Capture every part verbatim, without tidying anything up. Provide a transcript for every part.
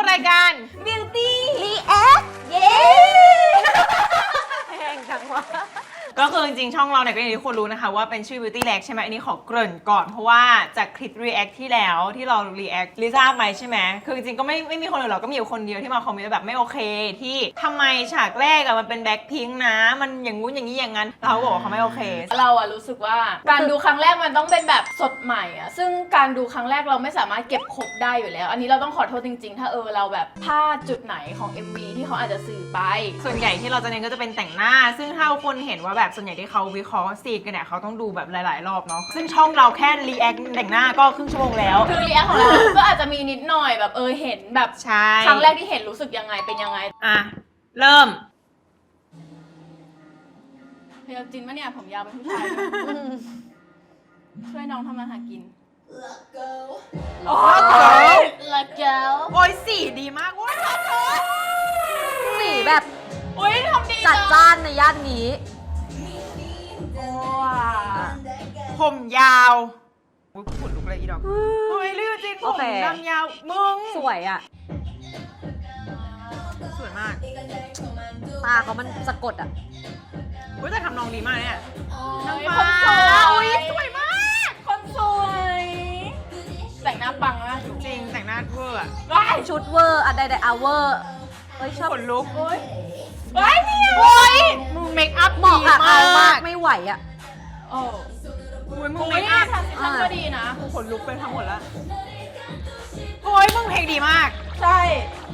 รายการ Beauty React เย้แพงจังวะก็คือจริงๆช่องเราเนี่ยก็อย่างที่ทุกคนรู้นะคะว่าเป็นชื่อ Beauty React ใช่ไหมอันนี้ขอเกริ่นก่อนเพราะว่าจากคลิป React ที่แล้วที่เรา React ลิซ่าไปใช่ไหมคือจริงๆก็ไม่ไม่มีคนอื่นหรอกก็มีอยู่คนเดียวที่มาคอมเมนต์แบบไม่โอเคที่ทำไมฉากแรกอะมันเป็นแบ็คพิงค์นะมันอย่างงู้นอย่างนี้อย่างนั้นเราบอกว่าเขาไม่โอเคเราอะรู้สึกว่าการดูครั้งแรกมันต้องเป็นแบบสดใหม่อะซึ่งการดูครั้งแรกเราไม่สามารถเก็บครบได้อยู่แล้ว อันนี้เราต้องขอโทษจริงๆ ถ้าเออเราแบบพลาดจุดไหนของ เอ็ม วี ที่เขาอาจจะสื่อไปส่วนใหญ่ที่เราจะเน้นก็จะเป็นแต่งหน้า ซึ่งถ้าคนเห็นว่าแบบส่วนใหญ่ที่เขาวิเคราะห์ซีนกันเนี่ยเขาต้องดูแบบหลายๆรอบเนาะซึ่งช่องเราแค่รีแอคแต่งหน้าก็ครึ่งชั่วโมงแล้วคือรีแอคของเราก็อาจจะมีนิดหน่อยแบบเออเห็นแบบใช่ครั้งแรกที่เห็นรู้สึกยังไงเป็นยังไงอ่ะเริ่มเฮียจินปะเนี่ยผมยาวเป็นผู้ชายช่วยน้องทำมาหากินโอ้ยละเกลโอ้ยสีดีมากโอ้ยขอโทษสีแบบโอ้ยทำดีจัดจ้านในย่านนี้ว้าผมยาวอุ้ยขนลุกเลยอีดอกเฮ้ยลือจริงผโอมเคดำยาวมึงสวยอ่ะสวยมากตาเขามันสะกดอ่ะอุ้ยแต่ทำนองดีมากเนี่ยน้องฟ้าฟ้าอุ้ยสวยมากคนสวยแต่งหน้าปังมากจริงแต่งหน้าเวอร์อะว้ายชุดเวอร์อะใดๆอาเวอร์เอ้ยชอบขนลุกโอ้ยว้ายเนี่ยโอ้ยมึงเมคอัพเหมาะดีกับเอามามาก กไม่ไหวอ่ะโอ้อุ้ยมึงโอ้เมยคอัพทำทำก็ดีนะกูขนลุกไปทั้งหมดแล้วโอ้ยมึงเพลงดีมากใช่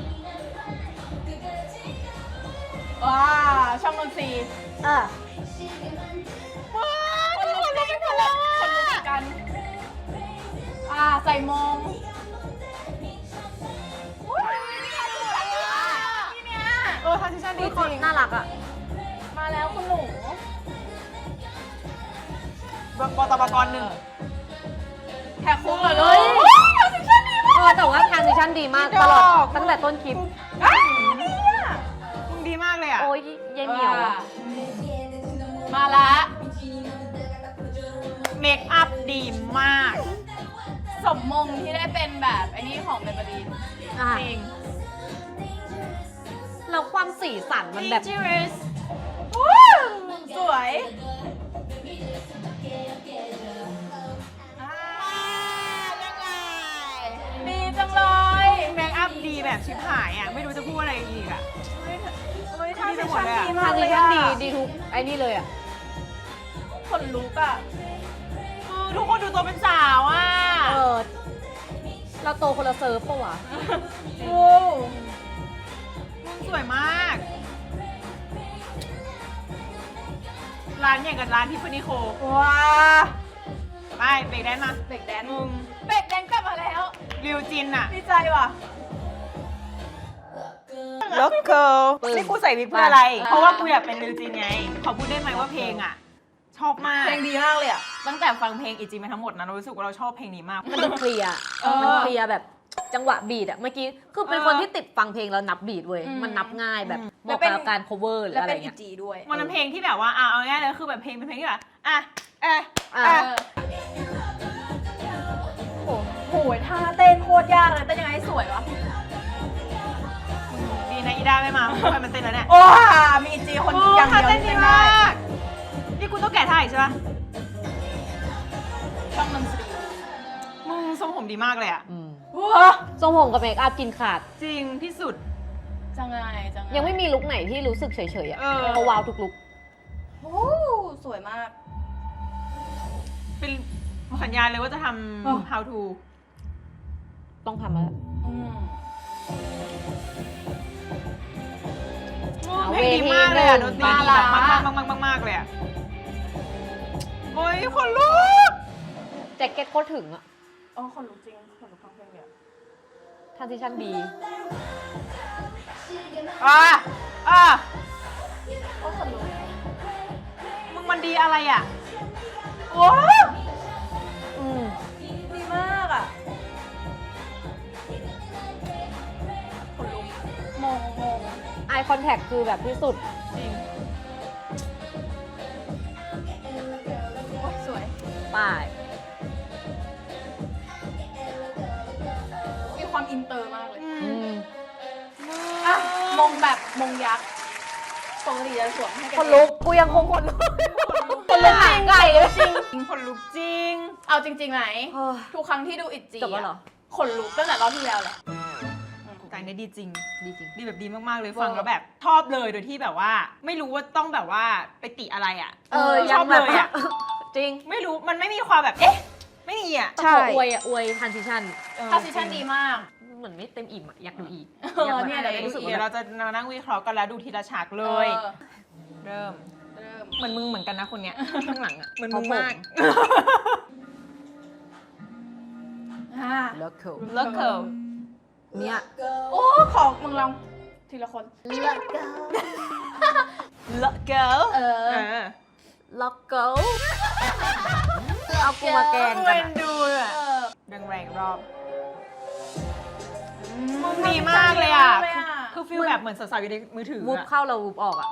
ว้าช่องดนตรีเออว้าคนลุกจริงคนลุกคนลุกกันอ่าใส่มงอุ๊ยเนี่ยสวยอ่ะนี่เนี่ยเออทานซิชั่นดีนี่จคนริงน่ารักอ่ะมาแล้วคุณหนูบตบกรหนึ่งแท็กคู่กันเลเฮ้ยย เออแต่ว่าทรานซิชั่นดีมากตลอดตั้งแต่ต้นคลิปอ้าวดีอ่ะมึงดีมากเลยอ่ะโอ้ยเย็นเหนียวอะมาละเมคอัพดีมากสมมงที่ได้เป็นแบบไอ้นี่ของเบเบอรีนอ่ะจริงแล้วความสีสันมันแบบ Dangerous สวยอ่ายังไงดีจังเลยเมคอัพดีแบบชิบหายอ่ะ ไม่รู้จะพูดอะไรอีกอ่ะเฮ้ยทำให้ฉันดีทมากรานซิชั่นดีดีทุกไอ้นี่เลยอ่ะคนลุกอ่ะเออทุกคนดูตัวเป็นสาวอ่ะเออ เราโตคนละเซิร์ฟปะวะโอ้มึงสวยมาก ร้านอย่างกับร้านทิฟฟานี่โคว้าไปเบรกแดนซ์มาเบรกแดนซ์มึงเบรกแดนซ์กลับมาแล้วริวจินอ่ะดีใจว่ะล็อกเกิลปึ้งนี่กูใส่วิกเพื่ออะไรอ่าเพราะว่ากูอยากเป็นริวจินไง ขอพูดได้ไหมว่าเพลงอ่ะ ชอบมากเพลงดีมากเลยอ่ะตั้งแต่ฟังเพลงอีจีมาทั้งหมดนะเรารู้สึกว่าเราชอบเพลงนี้มากมันดูเคลียร์เออมันเคลียร์แบบจังหวะบีดอะเมื่อกี้ คือเป็นเออคนที่ติดฟังเพลงแล้วนับบีดเว้ยอืมมันนับง่ายแบบอืมเหมาะกับการ cover หรือแล้วอะไรเป็นอีเงี้ยจีด้วยมันเป็นเพลงที่แบบว่าอ่ะเอาง่ายๆเลยคือแบบเพลงเป็นเพลงที่แบบอ่ะเอะอ่ะเอะโอ้โหท่าเต้นโคตรยากเลยเต้นยังไงให้สวยวะดีนะอีด้าไม่มาเพราะมันเต้นแล้วเนี่ยโอ้มีอีจีคนโอ้อย่างท่าเดียวเต้นที่ดีเต้นได้มากนี่กูต้องแกะท่าอีกใช่ปะช่องดนตรีมึงทรงผมดีมากเลยอ่ะอืมว้าทรงผมกับเมคอัพกินขาดจริงที่สุดจังไงจังไงยังไม่มีลุคไหนที่รู้สึกเฉยๆอะเออเขาว้าวทุกลุคโอ้สวยมากเป็นสัญญาณเลยว่าจะทเออำ how to ต้องทำแล้วอืมเพลงดีมากเลยอ่ะดนตรีดีแบบมามาละกมากมากมากมากเลยอ่ะโอ้ยคนลุกแจ็คเก็ตโคตรถึงอะอ๋อคนลุกจริงคนลุกฟังเพลงเลยอะทรานซิชั่นดีอ่ะอ่ะโอ้คนลุกมึงมันดีอะไรอ่ะว้าอืมดีมากอ่ะคนลุกมองมองไอคอนแทคคือแบบที่สุดจริงโอ้ยสวยป้ายมีความอินเตอร์มากเลยอือืมมมงแบบมงยักษ์ปกติจะสวมให้กันคนลุกกูยังคงคนลุกคนลุกจริงไก่จริงคนลุกจริงเอาจริงๆไหมเฮ้ยทุกครั้งที่ดูอิจีจบแล้วเหรอขนลุกตั้งแต่รอบที่แล้วแหละแต่อันนี้ดีจริงดีจริงดีแบบดีมากๆเลยเวอร์ฟังแล้วแบบชอบเลยโดยที่แบบว่า ไม่รู้ว่าต้องแบบว่าไปติอะไรอ่ะเออชอบเลยอ่ะจริงไม่รู้มันไม่มีความแบบเอ๊ะไม่มีอ่ะใช่อวยอ่ะอวยทันซิชันทาซิชั่นดีมากเหมือนไม่เต็มอิ่มอะอยากดูอีกเอออยากแบบเนี่ยเดี๋ยวรู้สึกว่าเดี๋ยวแบเราบจะมานั่งวิเคราะห์กันแล้วดูทีละฉากเลยออเริ่มเริ่มเหมือนมึงเหมือนกันนะคนเนี้ย ข้างหลังอ่ะเหมือนมึงมากอ่าเลิกเคิลเลิกเคิลเนี่ยโอ้ของมึงลองทีละคนเลิกเคิลเลิกเกิลเออเออเลิกเคิลเอากูมาแกล้งกัเว้นนอะดูอ่ะเออแรงแรงๆรอบ มึงดีมากเลยอ่ะดีมากเลยอะคือฟีลแบบเหมือนสาวๆอยู่ในมือถือวูบอะเข้าเราวูบออกอะ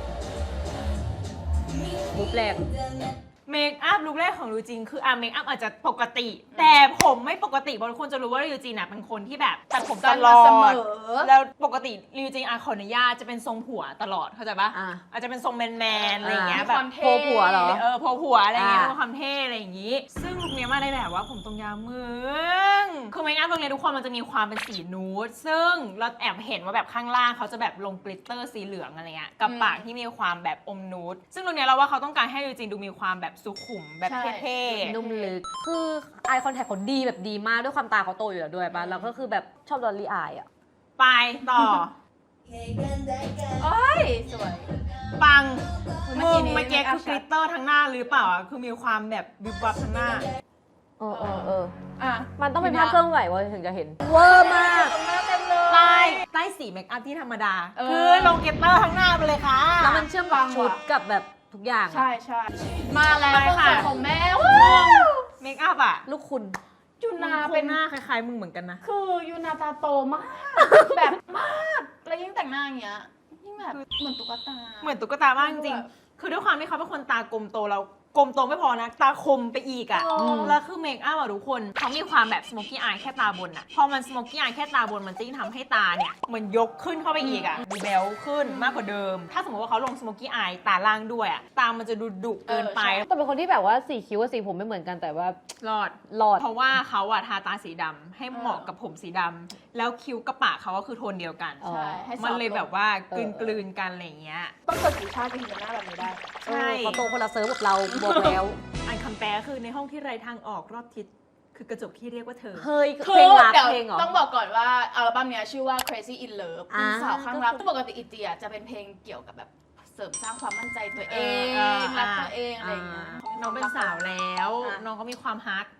วูบแรงเมคอัพลุคแรกของริวจินคืออ่ะเมคอัพอาจจะปกติ แต่ผมไม่ปกติบางคนจะรู้ว่าริวจินอ่ะเป็นคนที่แบบตัดผมตลอเสมดอแล้วปกติริวจินอาขออนุญาตจะเป็นทรงผัวตลอดเข้าใจปะอ่ะอาจจะเป็นทรงแมนๆอะไรอย่างเงี้ยมีแบคบวามเท่โพผัวเหรอเออโพผัวอะไรอย่างเงี้ยอ่ามีความเท่อะไรอย่างงี้ ซึ่งลุคเนี้ยมาได้แบบว่าผมตรงยาวมึงคือเมคอัพลุคเนี้ยทุกคนมันจะมีความเป็นสีนูดซึ่งเราแอบเห็นว่าแบบข้างล่างเขาจะแบบลงกลิตเตอร์สีเหลืองอะไรเงี้ยกับอืมปากที่มีความแบบอมนูดซึ่งลุคเนี้ยเราว่าเขาต้องการให้ริวจินดูมีความแบบสุขุมแบบใช่เท่ๆนุ่มลึก คือไอคอนแทคเขาดีแบบดีมากด้วยความตาเขาโตอยู่แล้วด้วยป่ะ แล้วก็คือแบบชอบดอลลี่อายอะไปต่อโอ้ยสวยปังเมื่มึอง กี้นี้เมื่อกี้ make up คือกลิตเตอร์ทั้งหน้าหรือเปล่าอะคือมีความแบบวิบวับทั้งหน้าเออเออเอออ่ะมันต้องเป็นภาพเคลื่อนไหวเว้ยถึงจะเห็น เวอร์มากตรงหน้าเต็มเลยใต้ใต้สีเมคอัพที่ธรรมดาเออคือลงกลิตเตอร์ทั้งหน้าไปเลยค่ะแล้วมันเชื่อมกับชุดกับแบบทุกอย่างอะใช่ใช่มาแล้วไปคนค่ะสวยของแม่ว้าวเมคอัพอ่ะลูกคุณยูนานาเป็เป็น นหน้าคล้ายๆมึงเหมือนกันนะคือยูนาตาโตมาก แบบมาก แล้วยิ่งแต่งหน้าอย่างเงี้ยยิ่งแบบเหมือนตุ๊กตาเหมือนตุ๊กตามากจริงๆคือด้วยความที่เขาเป็นคนตากลมโตแล้วกลมโตไม่พอนะ ตาคมไปอีกอ่ะเออแล้วคือเมคอัพอ่ะทุกคนเขามีความแบบสโมกี้อายแค่ตาบนอ่ะ พอมันสโมกี้อายแค่ตาบนมันจะยิ่งทำให้ตาเนี่ยเหมือนยกขึ้นเข้าไปอีกอ่ะดูแบลขึ้นมากกว่าเดิม ถ้าสมมติว่าเขาลงสโมกี้อายตาล่างด้วยอ่ะตามันจะดูดุเกินไปแต่เป็นคนที่แบบว่าสีคิ้วกับสีผมไม่เหมือนกันแต่ว่ารอดหลอดเพราะว่าเขาอะทาตาสีดำให้เหมาะกับผมสีดำแล้วคิ้วกับปากเขาก็คือโทนเดียวกันอ๋อใช่ให้มันเลยแบบว่ากลืนเออกลืนๆกันอะไรอย่างเงี้ยต้องเกิดสีชาติถึงจะหน้าแบบนี้ได้ใช่เออเขาโตคนละเซิร์ฟกับเราบอกแล้วอันคำแปลคือในห้องที่ไรทางออกรอบทิศคือกระจกที่เรียกว่าเธอเฮ้ยคืเพลงรักเดี๋ยวเพลงเหรอต้องบอกก่อนว่าอัลบั้มเนี้ยชื่อว่า Crazy in Love อ่าสาวข้างรักปกติอีเจียจะเป็นเพลงเกี่ยวกับแบบเสริมสร้างความมั่นใจตัวเองเออรักตัวเองอะไรอย่างเงี้ยน้องเป็นสาวแล้วอ่ะน้องก็มีความฮัก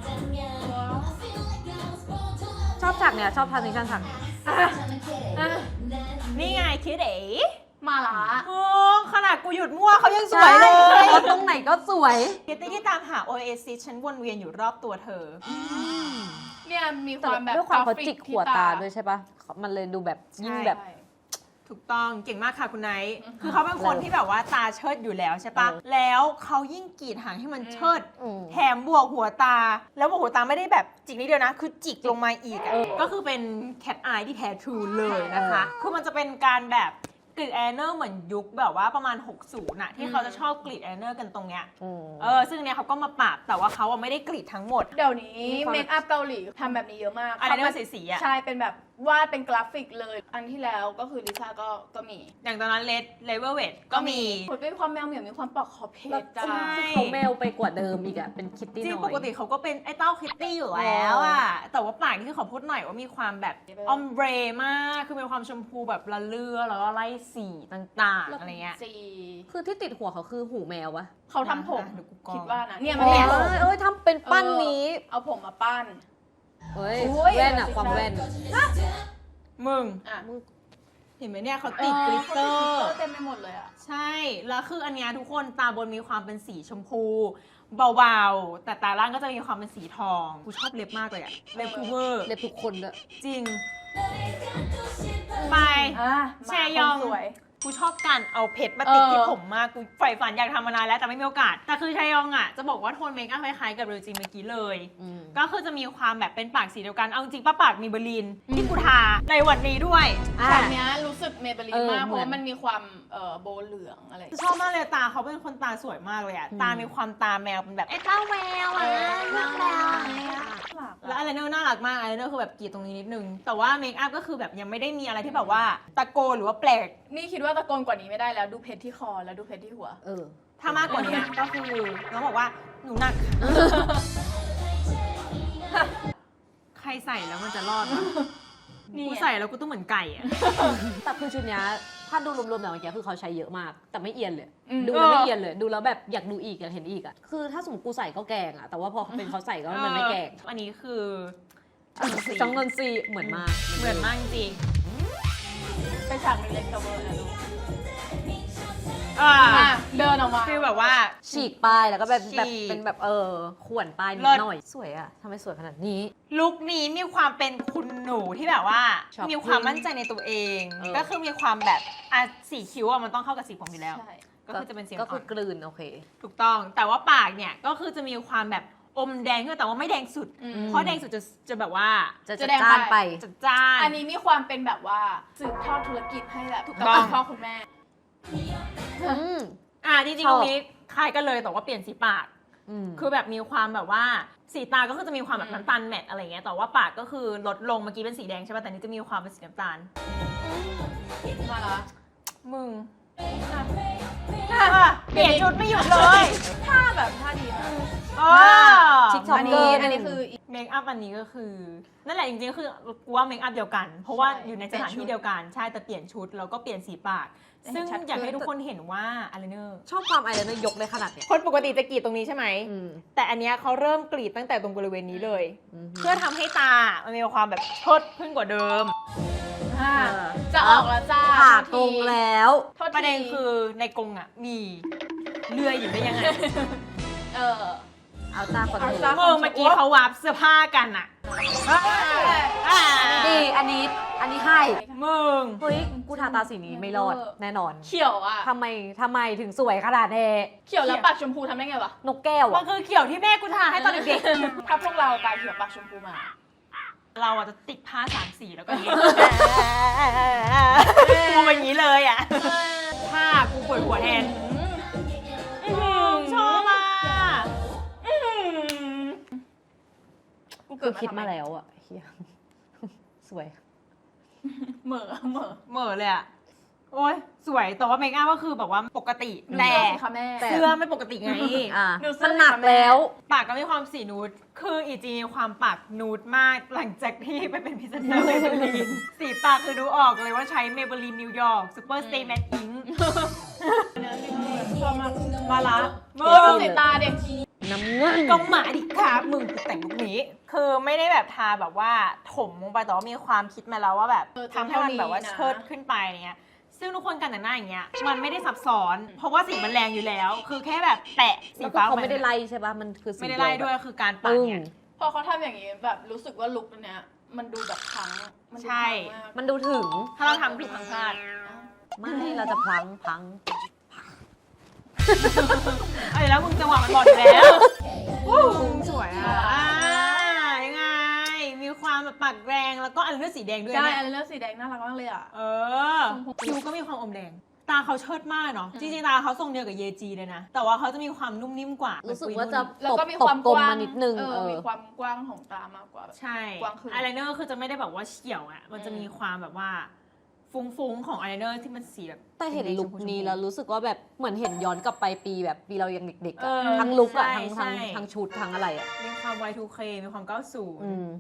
ชอบฉากเนี้ยชอบทานิชันฉากอ่ะนี่ไงคิดเอ๋มาละโอ้ขนาดกูหยุดมั่วเขายังสวยเลยแล้วตรงไหนก็สวยคิตตี้ที่ตามหาโอเอซิสฉันวนเวียนอยู่รอบตัวเธอเนี่ยมีคแต่วามแบบด้วยความเขากรฟิจิกหัวตาด้วยใช่ปะมันเลยดูแบบยิ่งแบบใช่ถูกต้องเก่งมากค่ะคุณไนท์คือเขาเป็นคนที่แบบว่าตาเชิดอยู่แล้วใช่ปะเออแล้วเขายิ่งกรีดหางให้มันเชิดอืมแถมบวกหัวตา แล้วบวกหัวตาไม่ได้แบบจิกนิดเดียวนะ คือจิกลงมาอีกอะเออก็คือเป็นแคทอายที่แท้ทรูเลยนะคะ คือมันจะเป็นการแบบกรีดแอเนอร์เหมือนยุคแบบว่าประมาณ หกสิบน่ะที่เขาจะชอบกรีดแอเนอร์กันตรงเนี้ยอืมเออซึ่งเนี้ยเขาก็มาปรับแต่ว่าเขาอะไม่ได้กรีดทั้งหมดเดี๋ยวนี้มีความเมคอัพเกาหลีทำแบบนี้เยอะมากอะไรที่มันสีๆอะใช่เป็นแบบวาดเป็นกราฟิกเลย อันที่แล้วก็คือลิซ่าก็ก็มีอย่างตอนนั้นเลดเลเวลเวทก็มีคนเป็นความแมวเหมียวมีความปลอกคอเพจจ้าใช่เขาแมวไปกว่าเดิมอีกอะเป็นคิตตี้จริงน้อยปกติเขาก็เป็นไอ้เต้าคิตตี้อยู่แล้วอะแต่ว่าปากนี่คือขอพูดหน่อยว่ามีความแบบออมเบรมาก คือมีความชมพูแบบละเลือแล้วก็ไล่สีต่างๆอะไรเงี้ยสีคือที่ติดหัวเขาคือหูแมววะเขาทำผมเดี๋ยวกูกรองคิดว่านะเนี่ยเอมันเนี่ยอเอ้ยทำเป็นปั้นนี้เอาผมมาปั้นเฮ้ยโอ้ยแว่นอะความแว่นมึงอ่ะเห็นไหมเนี่ยเขาติดกลิตเตอเขาร์ติดกลิตเตอร์เต็มไปหมดเลยอ่ะใช่ แล้วคืออันเนี้ยทุกคนตาบนมีความเป็นสีชมพู เบาๆ แต่ตาล่างก็จะมีความเป็นสีทอง กูชอบเล็บมากเลยอะเล็บคูเวอร์เล็บทุกคนด้วยจริง ไปอ่ะแชยองมาคนสวยกูชอบการเอาเพชรมาติดเออที่ผมมากกูใฝ่ฝันอยากทำมานานแล้วแต่ไม่มีโอกาสแต่คือชายองอ่ะจะบอกว่าโทนเมคอัพคล้ายๆกับเรจินเมื่อกี้เลยอืมก็คือจะมีความแบบเป็นปากสีเดียวกัน เอาจริงป้าปากมีเบอร์ลินที่กูทาในวันนี้ด้วยอ่ะฉากเนี้ยรู้สึกเมเบลีเอน อมากเพเหมืราะอนว่ามันมีความเอ่อโบเหลืองอะไรชอบมากเลยตาเขาเป็นคนตาสวยมากเลยอะอืมตามีความตาแมวเป็นแบบไอ้ตาแมวอะเลือกแมวอะไรอะแล้วอะไรเนอร์น่ารักมากอะไรเนอร์คือแบบกรีดตรงนี้นิดนึง แต่ว่าเมคอัพก็คือแบบยังไม่ได้มีอะไรที่แบบว่าตะโกนหรือว่าแปลกนี่คิดว่าตะโกนกว่านี้ไม่ได้แล้วดูเพชรที่คอแล้วดูเพชรที่หัวเออถ้ามากกว่านี้ก็คือน้องบอกว่าหนูหนัก ใครใส่แล้วมันจะรอดวะนี่กูใส่แล้วกูต้องเหมือนไก่อะแต่คือชุดเนี้ยถ้าดูรวมๆแต่เมื่อกี้คือเขาใช้เยอะมาก แต่ไม่เอียนเลยอืมดูแล้วไม่เอียนเลย ดูแล้วแบบอยากดูอีกอยากเห็นอีกอ่ะ คือถ้าสมมติกูใส่ก็แกงอ่ะ แต่ว่าพอเป็นเขาใส่ก็มันไม่แกงอันนี้คือจังเงินซีเหมือนมากเหมือนมากจริงเป็นฉากเล็กๆแต่เวอร์นะลูกอ่าอ่ะเดินออกมาคือแบบว่าฉีกป้ายแล้วก็แบบฉีกแบบเป็นแบบเออข่วนป้ายนิเลิดศหน่อย สวยอ่ะทำไมสวยขนาดนี้ลุคนี้มีความเป็นคุณหนูที่แบบว่า Shopping มีความมั่นใจในตัวเองเออก็คือมีความแบบอ่ะสีคิ้วอ่ะมันต้องเข้ากับสีผมอยู่แล้วใช่ก็คือจะเป็นสีก็อ่คือ อน กลืนโอเคถูกต้อง แต่ว่าปากเนี่ยก็คือจะมีความแบบอมแดงขึ้นแต่ว่าไม่แดงสุดอืมเพราะแดงสุดจะจะแบบว่าจะจะจัดแดงจ้านไปไปจัดจ้านอันนี้มีความเป็นแบบว่าสืบทอดธุรกิจให้แบบถูกกับต้องคุณพ่อคุณแม่อืมอ่ะจริงชๆอบตรงนี้คล้ายกันเลยแต่ว่าเปลี่ยนสีปากอืมคือแบบมีความแบบว่าสีตาก็คือจะมีความแบบอืมน้ำตาลแมทอะไรเงี้ยแต่ว่าปากก็คือลดลงเมื่อกี้เป็นสีแดงใช่ป่ะแต่นี้จะมีความเป็นสีน้ำตาลมาละมึงอ่ะอ่ะเปลี่ยนชุดไม่หยุดเลยท่าแบบท่าดีมากอ๋อชิคช็อปอันเกอนี้ร์อันนี้คืออีกเมคอัพอันนี้ก็คือ นั่นแหละจริงๆก็คือกูว่าเมคอัพเดียวกัน เพราะว่าใช่อยู่ในสถานที่เดียวกันใช่แต่เปลี่ยนชุดแล้วก็เปลี่ยนสีปากเห็นซึ่งชัดขึ้นอยากให้ทุกคนเห็นว่าอะไรเนอร์ชอบความไอายไลเนอร์ยกเลยขนาดเนี้ยคนปกติจะกรีดตรงนี้ใช่ไหมอืมแต่อันเนี้ยเขาเริ่มกรีดตั้งแต่ตรงบริเวณนี้เลยอืมเพื่อทำให้ตา มันมีความแบบเชิดขึ้นกว่าเดิมอ่ะเออจะออกแล้วจ้าผ่าโทตรงษทีแล้วโทษทีประเด็นคือในกรงอ่ะมีเลื่อยอยู่ได้ยังไงเออเอาตาคอนโทรเอาลตาเมื่อเมื่อกี้เขาวาร์ปเสื้อผ้ากันอ่ะอ่าดีอันนี้ อันนี้ให้มึงเฮ้ย กูทาตาสีนี้ไม่รอด แน่นอนเขียวอ่ะทำไมทำไมถึงสวยขนาดนี้เขียวแล้วปากชมพูทำได้ไงวะนกแก้วมัอ่ะนคือเขียวที่แม่กูทาให้ตอนเด็กถ้าพวกเราตาเขียวปากชมพูมาๆ เราอ่ะจะติดผ้าสามสีแล้วก็อย่างนี้กูเป็นอย่างนี้เลยอ่ะผ้ากูปวดหัวแทนอื้อหือชอบอ่ะอื้อหือกูคืเกิอดคิดมาทำไแล้วอ่ะเฮียสวยเหม่อเหม่อเหม่อเลยอ่ะ โอ๊ยสวยแต่ว่าเมคอัพก็คือแบบว่าปกติแต่แต่ค่ะแม่แต่เสื้อไม่ปกติไงอ่ะดูเสื้อมันหนักแล้วปากก็มีความสีนูด คืออีจีมีความปากนูดมากหลังจากที่ไปเป็นพรีเซนเตอร์เมเบลีน สีปากคือดูออกเลยว่าใช้เมเบลีนนิวยอร์กซูเปอร์สเตย์แมทอิงชอบมากมาละมึมึงดูงสีตาเด็กน้ำเงินก็หมาดิครับมึงกูแต่งลุคนี้ คือไม่ได้แบบทาแบบว่าถมลงไปแต่ว่ามีความคิดมาแล้วว่าแบบเออทำให้มันแบบว่าเท่านี้นะเชิดขึ้นไปเนี้ย ซึ่งทุกคนกันแต่งหน้าอย่างเงี้ย มันไม่ได้ซับซ้อน เพราะว่าสีมันแรงอยู่แล้ว คือแค่แบบแปะสีแล้วฟ้าเขาปไม่ได้ไล่ใช่ป่ะ มันคือสีไม่ได้ไล่ด้วยคือการปัปึ้กงเนี่ยพอเขาทำอย่างนี้แบบรู้สึกว่าลุคเนี้ยมันดูแบบพังมันดูใช่พังมากมันดูถึงถ้าเราทำผิดทางพลาดไม่ เราจะพลังพลังเอ้ยแล้วมึงจังหวะมันบอกอยู่แล้ววู้สวยอ่ะอ่ายังไง มีความแบบปากแรงแล้วก็อันเลือดสีแดงด้วยใช่เนี่ยอันเลือดสีแดงน่ารักมากเลยอ่ะเออคิ้วก็มีความอมแดง ตาเขาเชิดมากเนาะ จริงๆตาเขาทรงเดียวกับเยจีเลยนะ แต่ว่าเขาจะมีความนุ่มนิ่มกว่ารู้สึกเหมือนว่าปุยจะนุ่นแล้วก็มีตความบกลกมว้างมานิดนึงเอเอออมีความกว้างของตามากกว่าแบบใช่กว้างขึ้นอายไลเนอร์คือจะไม่ได้แบบว่าเฉียวอะมันจะมีความแบบว่าฟุ้งๆของอายไลเนอร์ที่มันสีแบบแต่เห็นลุคนี้ชมพูแล้วรู้สึกว่าแบบเหมือนเห็นย้อนกลับไปปีแบบปีเรายังเด็กๆเออะอทั้งลุคอะใช่ทั้งทั้งใช่ทั้งชุดทั้งอะไรอะมีความ วาย ทู เค มีความ เก้าสิบอืม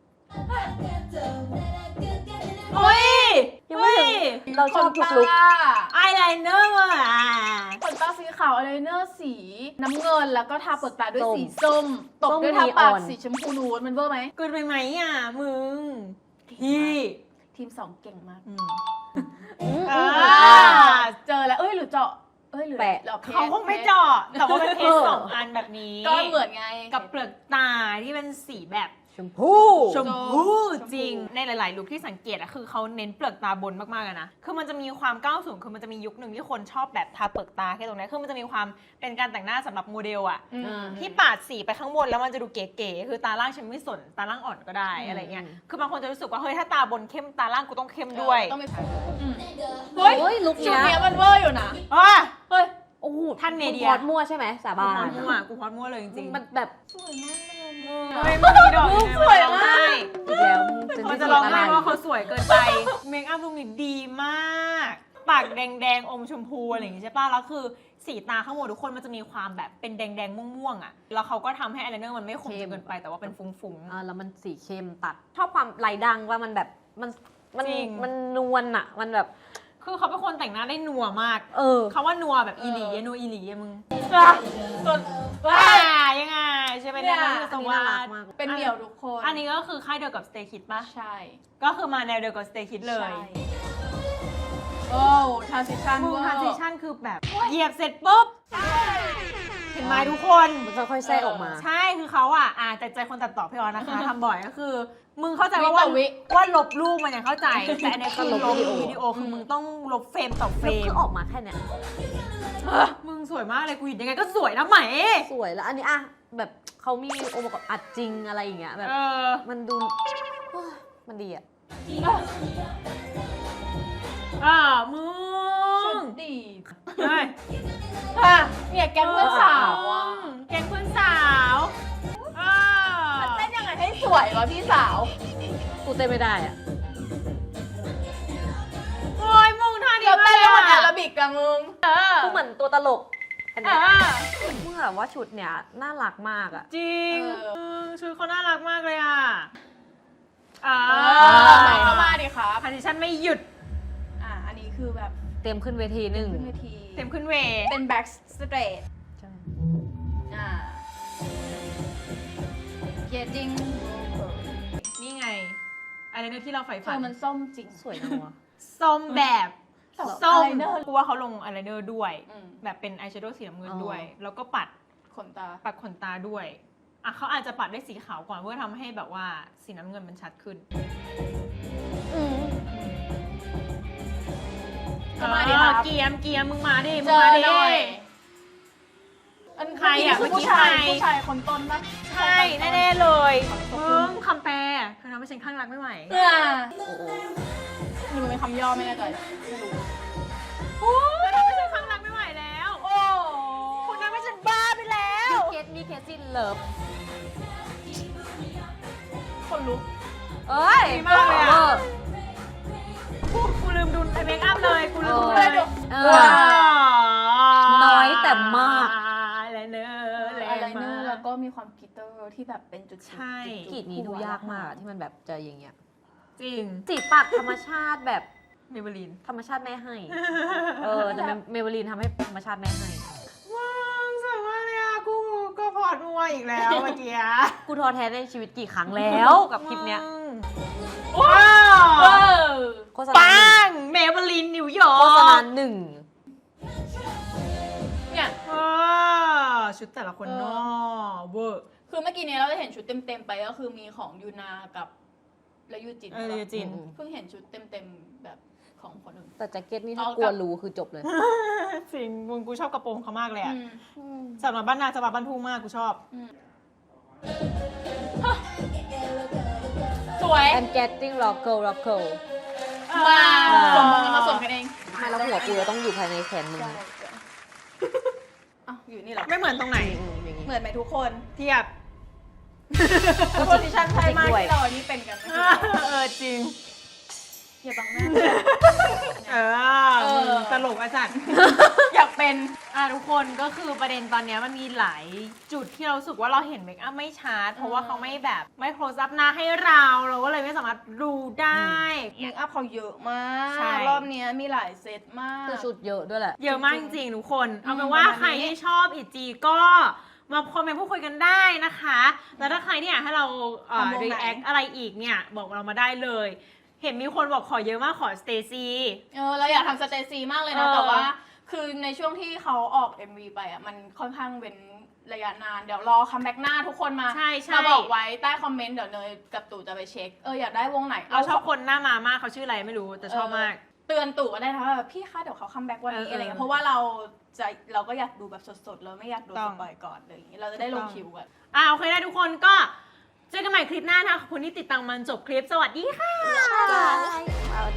โอ้ยยังไม่ถึง เราชอบทุกลุคอายไลเนอร์อ่ะขนตาสีขาวอายไลเนอร์สีน้ำเงินแล้วก็ทาเปลือกตาด้วยส้มสีส้ม ตบส้มด้วยทาปากนีออนสีชมพูนูดมันเวอร์ไหมเกินไปไหมอ่ะ มึง พี่ทีมสองเก่งมากอืมอืมอ่าอืมอ่าเจอแล้วเอ้ยหรือเจาะเอ้ยหรือแปะหรอพชเขาคงไม่เจาะแต่ว่าเป็นเพชรสองอันแบบนี้ก็เหมือนไงกับเปลือกตาที่เป็นสีแบบชมพู่ชมพู่ชมพู่จริงในหลายๆลุคที่สังเกตอะคือเขาเน้นเปลือกตาบนมากๆอะนะคือมันจะมีความก้าวสูงคือมันจะมียุคหนึ่งที่คนชอบแบบทาเปลือกตาแค่ตรงนี้คือมันจะมีความเป็นการแต่งหน้าสำหรับโมเดลอะอืมที่ปาดสีไปข้างบนแล้วมันจะดูเก๋ๆคือตาล่างฉันไม่สนตาล่างอ่อนก็ได้อืมอะไรเงี้ยคือบางคนจะรู้สึกว่าเฮ้ยถ้าตาบนเข้มตาล่างกูต้องเข้มด้วยต้องมีอืมเฮ้เฮ้ยยลุคชุดเนี้ยเนี้ยมันเวอร์อยู่นะอ่ะเฮ้ยโอ้โหท่านเนเดียกูพอดมั่วใช่ไหมสากูบาพอน ดมั่วกูพอดมั่วเลยจริงๆมันแบบสวยมากเลยเฮ้ยมันมีดอกอยู่สวยมันมากร้องไห้อีกแล้วมึมันงจะจะร้องไห้อะไรว่าเขาสวยเกินไป เมคอัพลุคนี้ดีมาก ปากแดงๆ อมชมพูอะไรอย่างงี้ใช่ป่ะ แล้วคือสีตาข้างบนทุกคนมันจะมีความแบบเป็นแดงๆ ม่วงๆ อ่ะ แล้วเขาก็ทำให้อายไลเนอร์มันไม่คมจนเกินไปแต่ว่าเป็นฟุ้งอ่าแล้วมันสีเข้มตัด ชอบความไหลดังว่ามันแบบมันมันจริงมันนวลอะมันแบบๆ คือเขาเป็นคนแต่งหน้าได้นัวมากเออเขาว่านัวแบบอีหลีอะนัวอีหลีอะมึงส่วนว้ายังไงใช่ไหมเนี่ยเนี่ยคือสอันนี้วัน่ารัสกดิ์มากเป็นเหมี่ยวทุกคนอันนี้ก็คือค่ายเดียวกับ Stay Kids ป่ะใช่ก็คือมาแนวเดียวกับ Stay Kids เลยใช่โอ้ทรานซิชันมึงเวอร์ transition คือแบบเหยียบเสร็จปุ๊บ เห็นไหมทุกคนมันค่อยๆแทรกออกมาใช่คือเขาอ่ะอ่าแต่ใจคนตัดต่อพี่ออนนะคะ ทำบ่อยก็คือ มึงเข้าใจว่าวิต่ว่าอวิว่าลบรูปมันยังเข้าใจ แต่อันเนี้ยคือลลบบ วิวิดีดีโอโอคือมึงต้องลบเฟรมต่อเฟรแล้วมคือออกมาแค่เนี้ยมึงสวยมากเลยกูเห็นยังไงก็สวยนะไหมสวยแล้วอันนี้อะแบบเขามีองค์ประกอบอัดจริงอะไรอย่างเงี้ยแบบเออมันดูโอ้ยมันดีอะอ่ามึชุงดดีเฮ้ยค่ะเนี่ยแก๊งเพื่อนสาวอ่ะแกงเพื่อนสาวอ่ามันเต้นยังไงให้สวยวะพี่สาวกูเต้นไม่ได้อะโอ้ยมึงท่านี้เราเต้นแล้วมันแออะโรบิกกับมึงเออกูเหมือนตัวตลกอันเอเนี้ยอมึงแบบว่าชุดเนี้ยน่ารักมากอะจริงเออเออชุดเขาน่ารักมากเลยอ่ะอ่าเออใส่เข้ามาดิครับพาริชันไม่หยุดอ่ะอันนี้คือแบบเต็มขึ้นเวทีหนึ่งขึ้นเวทีเต็มขึ้นเวเป็นแบ็กสเตรทใช่อ่าเกจจิ้งนี่ไงอะไรเนอร์ที่เราใฝ่เธฝัอน มันส้มจริงสวยนะวะส้มแบบส้มส้ม eyeliner กูว่าเขาลงอายไลเนอร์ด้วยอืมแบบเป็นอายแชโดว์สีน้ำเงินอ๋อด้วย แล้วก็ปัดขนตาปัดขนตาด้วยอ่ะเขาอาจจะปัดด้วยสีขาวก่อนเพื่อทำให้แบบว่าสีน้ำเงินมันชัดขึ้นอืมเข้ามาดิครับเออเกียมเกียมมึงมาดิมึเจงอมาดิหน่อยอันใครอะเมื่อกี้เมื่อกี้ผู้ชายใครผู้ชายคนต้นปะใช่แน่ๆเลยมึงคำแปลเธอทำให้ฉันข้างรักไม่ไหวเนี่ยโอ้โหนี่มันเป็นคำย่อไม่แน่ใจไม่รู้โอ้ยทำให้ฉันข้างรักไม่ไหวแล้วโอ้คุณทำให้ฉันบ้าไปแล้วเคสมีเคสซินเลิฟคนลุกเอ้ยดีมากเลยอะออกูกูลืมดูเมคอัพเลยกูลืมดูเออเลยเออ น้อยแต่มากอะไรเนอร์แรอะไรงเนอมาร์แล้วกก็มีความกลิตเตอร์ที่แบบเป็นจุดๆใช่กรีดนี้ดูยากมากอะที่มันแบบจะอย่างเงี้ยจริงสีปากธรรมชาติแบบเมเบลินธรรมชาติแม่ให้ เออแต่เมเบลีนทำให้ธรรมชาติแม่ให้ว้าวสวยมากเลยอะกูก็พอดมัวอีกแล้วเมื่อกี้กูท้อแท้ในชีวิตกี่ครั้งแล้วกับคลิปเนี้ยว้าเอวอโฆษณาปัหนึ่งเมเบลินนิวยอร์งกโฆษณาหนึ่งเนี่ยว้าชุดแต่ละคนเออเนอเวอร์คือเมื่อกี้เนี้ยเราจะเห็นชุดเต็มๆไปก็คือมีของยูนากับและยูจินเออยูจินอืมเพิ่งเห็นชุดเต็มๆแบบของคนอื่นแต่แจ็คเก็ตนี่ถ้าเอากกลัลัวบรู้คือจบเลยจริงมึงกูชอบกระโปรงเขามากเลยอะอืมสำหรับบ้านนาสำหรับบ้านทุ่งมากกูชอบอืมสวย I'm getting rockle rockle มาอ่าสมกันมาสมกันเองไม่แล้วหัวกูจะต้องอยู่ภายในแขนมึงใช่อ้าวอยู่นี่เหรอไม่เหมือนตรงไหนอืมอย่างงี้เหมือนไหมทุกคนเทียบโพสิชันใช่มากที่เราอันนี้เป็นกันนะเออจริงอย่าบังหน้าเอเอออตลกอาจารย์อยากเป็นอ่ะทุกคนก็คือประเด็นตอนเนี้ยมันมีหลายจุดที่เรารู้สึกว่าเราเห็นเมคอัพไม่ชัดเพราะว่าเขาไม่แบบไม่ close up หน้าให้เราเราก็เลยไม่สามารถดูได้เมคอัพเขาเยอะมากใช่รอบเนี้ยมีหลายเซตมากคือชุดเยอะด้วยแหละเยอะมากจริงๆทุกคน เอาเป็นอืมว่าประมาณนี้ใครที่ชอบอีจีก็มาคอมเมนต์พูดคุยกันได้นะคะ แล้วถ้าใครที่อยากให้เราเอ่อทำวงไหน react อะไรอีกเนี่ยบอกเรามาได้เลย เห็นมีคนบอกขอเยอะมากขอสเตซี่เออเราอยากทำสเตซีมากเลยนะเออแต่ว่าคือในช่วงที่เขาออก เอ็ม วี ไปอ่ะมันค่อนข้างเป็นระยะนานเดี๋ยวรอคัมแบ็กหน้าทุกคนมาใช่ใช่มาบอกไว้ใต้คอมเมนต์เดี๋ยวเนยกับตู่จะไปเช็คเอออยากได้วงไหนเราชอบคนหน้ามามากเขาชื่ออะไรไม่รู้แต่ชอบมากเตือนตู่ก็ได้นะว่าแบบพี่คะเดี๋ยวเขาคัมแบ็กวันนี้เอออะไรเงี้เอย อเพราะว่าเราจะเราก็อยากดูแบบสดๆเราไม่อยากดูต้สองปอยก่อนอะไรอย่างงี้เราจะได้ลงคิวกันอ่าโอเคนะทุกคนก็เจอกันใหม่คลิปหน้านะคะขอบคุณที่ติดตามมันจบคลิปสวัสดีค่ะ Bye.